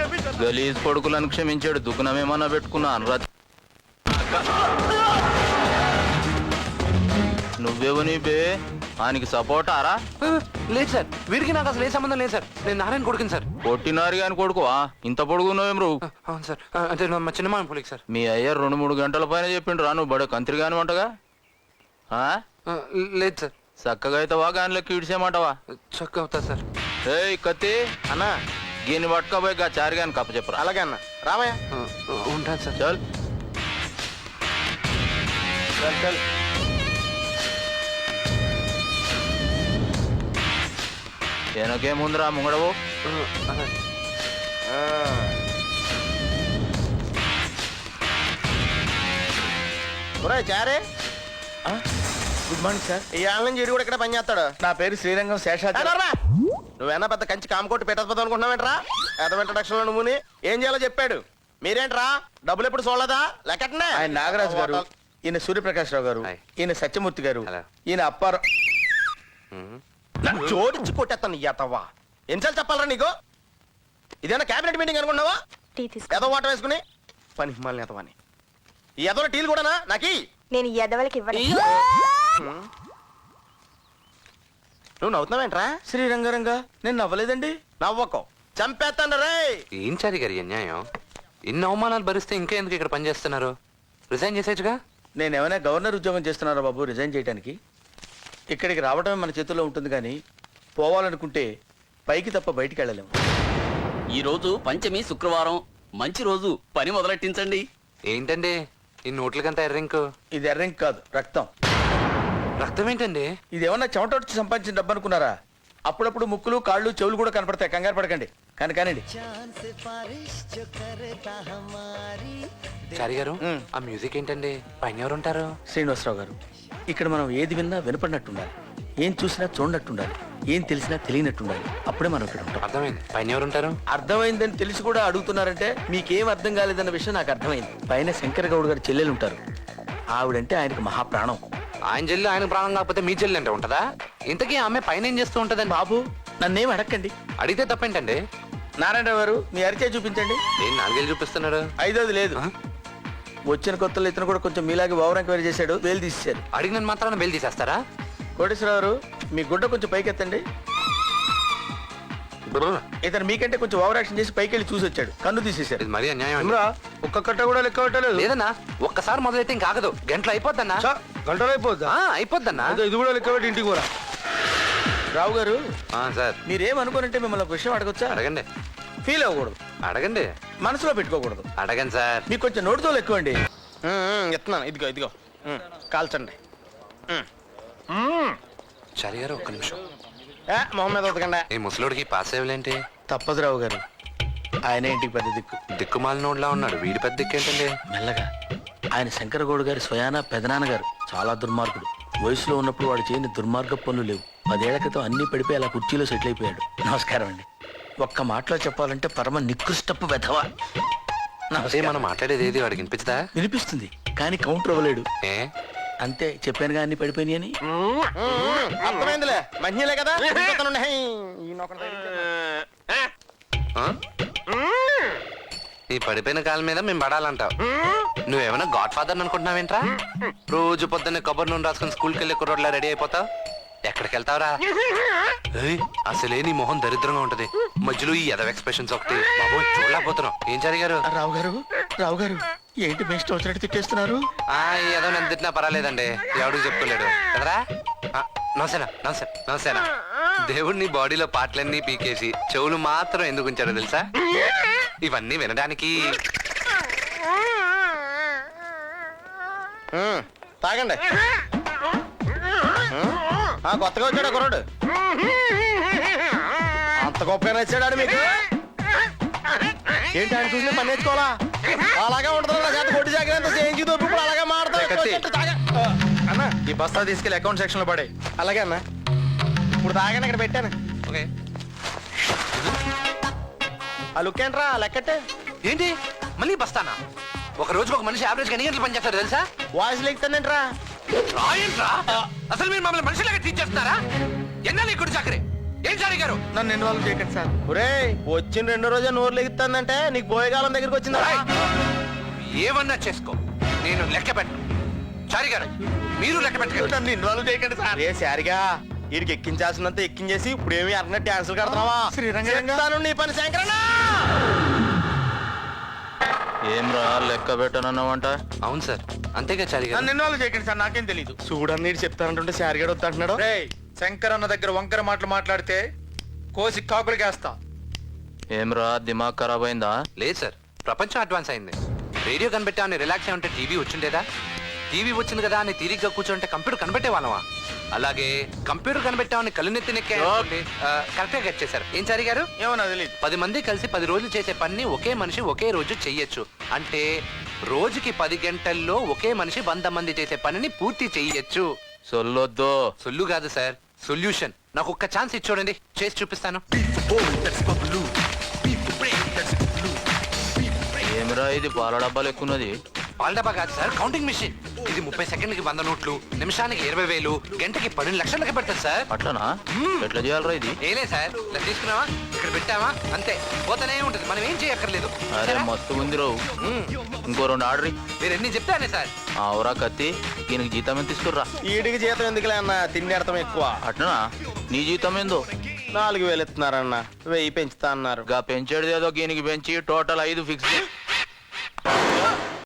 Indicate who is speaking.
Speaker 1: గలీజ్ కొడుకులను క్షమించాడు, దుఃఖనమేమన్నా పెట్టుకున్నా అనురాధ. నువ్వెవని బే? ఆయనకి సపోర్ట్ ఆరా?
Speaker 2: లేదు సార్, వీరికి నాకు అసలు ఏ సంబంధం లేదు సార్. నేను నారాయణ కొడుకుని సార్.
Speaker 1: కొట్టినారు కానీ కొడుకువా? ఇంత పొడుగున్నావేం రు?
Speaker 2: అవును సార్, అంటే మా చిన్నమామ పోలికి సార్.
Speaker 1: మీ అయ్య 2-3 గంటల పైన చెప్పిండు రా, నువ్వు బడే కంత్రి కాని వంటగా.
Speaker 2: లేదు సార్.
Speaker 1: చక్కగా అవుతావా గానిలోకి ఇడిసేమంటావా?
Speaker 2: చక్కగా అవుతా సార్.
Speaker 1: ఏయ్ కత్తి
Speaker 3: అన్నా
Speaker 1: గీని పట్టుకోబోయి గా చారి గాని కప్ప చెప్పరా.
Speaker 3: అలాగే అన్న రావయ్య.
Speaker 2: ఉంటాను సార్.
Speaker 1: చల్
Speaker 3: చల్ చల్.
Speaker 1: వెనకేముందిరా ముంగడవు.
Speaker 3: చారే
Speaker 4: గుడ్ మార్నింగ్ సార్.
Speaker 3: ఈ ఆళ్ళ నుంచి ఇడు కూడా ఇక్కడ పని చేస్తాడు.
Speaker 4: నా పేరు శ్రీరంగం శేషాద్రి.
Speaker 3: నువ్వేనా పెద్ద కంచి కామకోటి పెట్టకపోతావు అనుకుంటున్నావేంట్రా? ఎదవ ఇంట్రడక్షన్ లో నువ్వుని ఏం చేయాలో చెప్పాడు. మీరేంట్రా డబ్బులు ఎప్పుడు చూడలేదా? లెక్కటనే.
Speaker 4: ఆయన నాగరాజు గారు, ఈయన సూర్యప్రకాష్ రావు గారు, ఈయన సత్యమూర్తి గారు, ఈయన అప్పారావు.
Speaker 3: జోడించి కొట్టేస్తాను ఎతవా. ఎన్నిసార్లు చెప్పాలరా నీకు? ఇదేనా క్యాబినెట్ మీటింగ్ అనుకున్నావా? ఎదో వాటర్ వేసుకుని పని హిమాలని ఎదవని. ఈ ఎదవ టీలు కూడానా నాకి?
Speaker 5: నేను ఈ ఎదవలకి ఇవ్వను.
Speaker 3: నువ్వు నవ్వుతున్నావేంట్రా?
Speaker 4: శ్రీరంగరంగా నేను నవ్వలేదండి.
Speaker 3: నవ్వకో చంపేస్తాను రే.
Speaker 2: ఏం చారి గారి అన్యాయం? ఇన్ని అవమానాలు భరిస్తే ఇంకా ఎందుకు ఇక్కడ పనిచేస్తున్నారు? రిజైన్ చేసేచ్చుగా.
Speaker 4: నేను ఏమైనా గవర్నర్ ఉద్యోగం చేస్తున్నారా బాబు రిజైన్ చేయడానికి? ఇక్కడికి రావడమే మన చేతుల్లో ఉంటుంది, కానీ పోవాలనుకుంటే పైకి తప్ప బయటికి వెళ్ళలేము.
Speaker 6: ఈ రోజు పంచమి శుక్రవారం, మంచి రోజు, పని మొదలెట్టించండి.
Speaker 2: ఏంటండి ఈ నోట్లకంతా ఎర్రింకు?
Speaker 4: ఇది ఎర్రంక్ కాదు, రక్తం.
Speaker 2: రక్తం ఏంటండి?
Speaker 4: ఇది ఏమన్నా చెమట వచ్చి సంపాదించిన డబ్బు అనుకున్నారా? అప్పుడప్పుడు ముక్కులు కాళ్ళు చెవులు కూడా కనపడతాయి, కంగారు పడకండి. కానండి.
Speaker 2: చారి గారు, ఆ మ్యూజిక్ ఏంటండి? పైన ఎవరు ఉంటారు?
Speaker 4: శ్రీనివాసరావు గారు, ఇక్కడ మనం ఏది విన్నా వినపడినట్టుండాలి, ఏం చూసినా చూడనట్టుండాలి, ఏం తెలిసినా తెలియనట్టుండాలి. అప్పుడే మనం ఇక్కడ ఉంటాం.
Speaker 2: అర్థమైంది. పైన ఎవరు ఉంటారు?
Speaker 4: అర్థమైందని తెలిసి కూడా అడుగుతున్నారంటే మీకేం అర్థం కాలేదన్న విషయం నాకు అర్థమైంది. పైన శంకర్ గౌడ్ గారి చెల్లెలు ఉంటారు. ఆవిడంటే ఆయనకు మహాప్రాణం.
Speaker 2: ఆయన చెల్లి ఆయన ప్రాణం కాకపోతే మీ చెల్లి అంటే ఉంటదా? ఇంతకీ ఆమె పైన ఏం చేస్తూ ఉంటదండి?
Speaker 4: బాబు నన్నేం అడగండి.
Speaker 2: అడిగితే తప్పేంటండి?
Speaker 4: నారాయణరావు గారు మీ అరిచే చూపించండి.
Speaker 2: ఏం 4 ఏళ్ళు చూపిస్తున్నాడు?
Speaker 4: 5ది లేదు. వచ్చిన కొత్తలో ఇతను కూడా కొంచెం మీలాగే ఓవర్ ఎంక్వైరీ చేశాడు, వేలు తీసేశారు.
Speaker 2: అడిగిన మాత్రాన బెయిల్ తీసేస్తారా?
Speaker 4: కోటేశ్వరరావు గారు మీ గుడ్డ కొంచెం పైకెత్తండి. ఇతను మీకంటే కొంచెం ఓవర్ యాక్షన్ చేసి పైకి వెళ్ళి చూసి వచ్చాడు, కన్ను తీసేశాడు.
Speaker 2: ఇది మరీ అన్యాయం అండి.
Speaker 4: ఒక్క కట్ట కూడా లెక్క పెట్టలేదు.
Speaker 2: లేదన్నా, ఒక్కసారి మొదలైతే ఇంకా ఆగదు. గంటలు అయిపోద్దన్నా.
Speaker 4: గంటలు అయిపోద్దా?
Speaker 2: అయిపోద్దన్నా.
Speaker 4: ఇది కూడా లెక్క పెట్టి ఇంటికి కూడా. రావు గారు
Speaker 2: సార్,
Speaker 4: మీరేమనుకోనంటే మిమ్మల్ని ఒక విషయం అడగొచ్చా?
Speaker 2: అడగండి.
Speaker 4: ఫీల్ అవ్వకూడదు,
Speaker 2: అడగండి.
Speaker 4: మనసులో పెట్టుకోకూడదు.
Speaker 2: అడగండి సార్.
Speaker 4: మీకు కొంచెం నోటితో ఎక్కువ అండి.
Speaker 3: ఎత్తున్నాను, ఇదిగో ఇదిగో కాల్చండి.
Speaker 2: చారి గారు ఒక్క నిమిషం.
Speaker 3: మొహం మీద ఉతకండి.
Speaker 2: ఈ ముసలోడికి పాస్ అయ్యేంటి?
Speaker 4: తప్పదు రావు గారు, ఆయన ఇంటికి పెద్ద దిక్కు.
Speaker 2: దిక్కుమాల నోడ్లా ఉన్నాడు, వీడి పెద్ద దిక్కు ఏంటండి?
Speaker 4: మెల్లగా. ఆయన శంకరగౌడ్ గారి స్వయానా పెదనాన్నగారు చాలా దుర్మార్గుడు. వయసులో ఉన్నప్పుడు వాడు చేయని దుర్మార్గ పనులు లేవు. 10 ఏళ్ల క్రితం అన్ని పడిపోయి అలా కుర్చీలో సెటిల్ అయిపోయాడు. నమస్కారం అండి. ఒక్క మాటలో చెప్పాలంటే పరమ నికృష్టపు వెధవ.
Speaker 2: అదే మనం మాట్లాడేది ఏది వాడికి వినిపించదా?
Speaker 4: వినిపిస్తుంది కానీ కౌంటర్ అవ్వలేడు.
Speaker 2: ఏ
Speaker 4: అంతే, చెప్పానుగా అన్ని పడిపోయినాయి అని.
Speaker 3: అర్థమైందిలే, మంచిలే కదా.
Speaker 2: ఈ పడిపోయిన కాలం మీద మేము పడాలంటావు. నువ్వేమైనా గాడ్ ఫాదర్ అనుకుంటున్నావేంట్రా? రోజు పొద్దున్నే కొబ్బరి నూనె రాసుకుని స్కూల్కి వెళ్ళే కుర్రోడ్లా రెడీ అయిపోతావు. ఎక్కడికి వెళ్తావురా? అసలే నీ మొహం దరిద్రంగా ఉంటది, మధ్యలో ఈ ఎదవ ఎక్స్ప్రెషన్స్ ఒకటి. బాబు చూడలేకపోతున్నాం. ఏం జరిగారు?
Speaker 4: రావు గారు ఏంటి బెస్ట్ వచ్చినట్టు తిట్టేస్తున్నారు?
Speaker 2: ఏదో నన్ను తిట్టినా పర్వాలేదండి, ఎవడికి చెప్పుకోలేడు కదరా. నమసేనా నమస్తే నమసేనా. దేవుడు నీ బాడీలో పాటలన్నీ పీకేసి చెవులు మాత్రం ఎందుకు ఉంచాడో తెలుసా? ఇవన్నీ వినడానికి.
Speaker 3: తాగండి. కొత్తగా వచ్చాడు కుర్రాడు, అంత గొప్పగా నచ్చాడు మీకు. ఏంటి ఆయన చూసి పని నేర్చుకోవాలా? అలాగే ఉంటుంది నా చేత కొట్టి జాగ్రత్త చేయించి ఇప్పుడు అలాగే మాడతా.
Speaker 4: అన్న ఈ బస్తా తీసుకెళ్లి అకౌంట్ సెక్షన్ లో పడే.
Speaker 3: అలాగే అన్న, ఇప్పుడు తాగాను ఇక్కడ పెట్టాను.
Speaker 2: ఓకే.
Speaker 3: ఆ లుక్ ఏంట్రా లెక్కట్టే?
Speaker 2: ఏంటి మళ్ళీ బస్తానా? ఒక రోజుకి ఒక మనిషి యావరేజ్ ఎన్ని గంటలు పనిచేస్తారు తెలుసా?
Speaker 3: వాయిస్ లెక్తానంట్రా.
Speaker 2: రాయంట్రా, అసలు మీరు మమ్మల్ని మనుషులాగా ట్రీట్ చేస్తున్నారా? ఎన్నాళ్ళు ఇక్కడ చాకరీ? ఏం చారి గారు
Speaker 3: నన్ను ఇన్వాల్వ్ చేయకండి సార్. ఒరే వచ్చిన రెండో రోజే నోరు లెగుతుందంటే నీకు పోయేకాలం దగ్గరికి వచ్చిందా?
Speaker 2: ఏయ్! ఏమన్నా చేసుకో నేను లెక్క పెట్టను. చారి గారు మీరు లెక్క పెట్టకండి.
Speaker 3: నన్ను ఇన్వాల్వ్ చేయకండి సార్. ఏ సారిగా వీడికి ఎక్కించాల్సినంత ఎక్కించేసి ఇప్పుడు ఏమి అన్న డాన్సులు కడుతున్నావా? చెప్తాను నీ పని శంకరన్న.
Speaker 1: ఏమ్రా లెక్క పెట్టనన్నావంట?
Speaker 2: అవును సార్ అంతేగా చారి గారు.
Speaker 5: నన్ను ఇన్వాల్వ్ చేయకండి సార్, నాకేం తెలీదు.
Speaker 3: చూడని నీడు చెప్తానంటుంటే సారిగాడు వద్దంటున్నాడు.
Speaker 5: రేయ్ శంకర్ అన్న దగ్గర వంకర మాటలు మాట్లాడితే కోసి కాకులకేస్తా.
Speaker 1: ఏమ్రా దిమాగ్ ఖరాబ్ అయిందా?
Speaker 2: లేదు సార్ ప్రపంచం అడ్వాన్స్ అయింది. రేడియో కనిపెట్టామని రిలాక్స్ అయి ఉంటే టీవీ వచ్చిండేదా? టీవీ వచ్చింది కదా అని తీరిగ్గా కూర్చోంటే కంప్యూటర్ కనిపెట్టే వాళ్ళమా? అలాగే కంప్యూటర్ కనిపెట్టామని కళ్ళు నెత్తి నెక్కే కరెక్ట్గా గెట్ చేశారు. ఏం చారి గారు?
Speaker 5: ఏమో నాకు తెలీదు.
Speaker 2: 10 మంది కలిసి 10 రోజులు చేసే పని ఒకే మనిషి ఒకే రోజు చెయ్యొచ్చు. అంటే రోజుకి 10 గంటల్లో ఒకే మనిషి 100 మంది చేసే పనిని పూర్తి చెయ్యొచ్చు.
Speaker 1: సొల్లొద్దు.
Speaker 2: సొల్లు కాదు సార్ సొల్యూషన్. నాకు ఒక్క ఛాన్స్ ఇచ్చి చూడండి, చేసి చూపిస్తాను.
Speaker 1: ఏమిరా ఇది పాల డబ్బాలు ఎక్కున్నది?
Speaker 2: పాల డబ్బా కాదు సార్ కౌంటింగ్ మిషన్. ఇది 30 సెకండ్లకి 100 నోట్లు, నిమిషానికి 20,000, గంటకి 12 లక్షలకి పెడతారు సార్.
Speaker 1: అట్లనా? ఎట్లా చేయాలరా ఇది?
Speaker 2: ఏలే సార్ ఇలా తీసుకున్నావా ఇక్కడ పెట్టావా అంతే పోతనే ఉంటది, మనం ఏం చేయక్కర్లేదు.
Speaker 1: అరే మస్తు ఉంది రావు. ఇంకో 2 ఆర్డర్
Speaker 2: మీరు ఎన్ని చెప్తానే సార్.
Speaker 1: ఆవురా కత్తి, దీనికి జీతం ఎంత తీసుకుర్రా?
Speaker 3: ఈడికి జీతం ఎందుకులే అన్న, తిండి అర్థం ఎక్కువ.
Speaker 1: అట్లనా? నీ జీతం ఏందో?
Speaker 3: 4,000 ఇస్తున్నారన్న, 1,000 పెంచుతా అన్నారు.
Speaker 1: గా పెంచేది ఏదో దీనికి పెంచి టోటల్ 5 ఫిక్స్.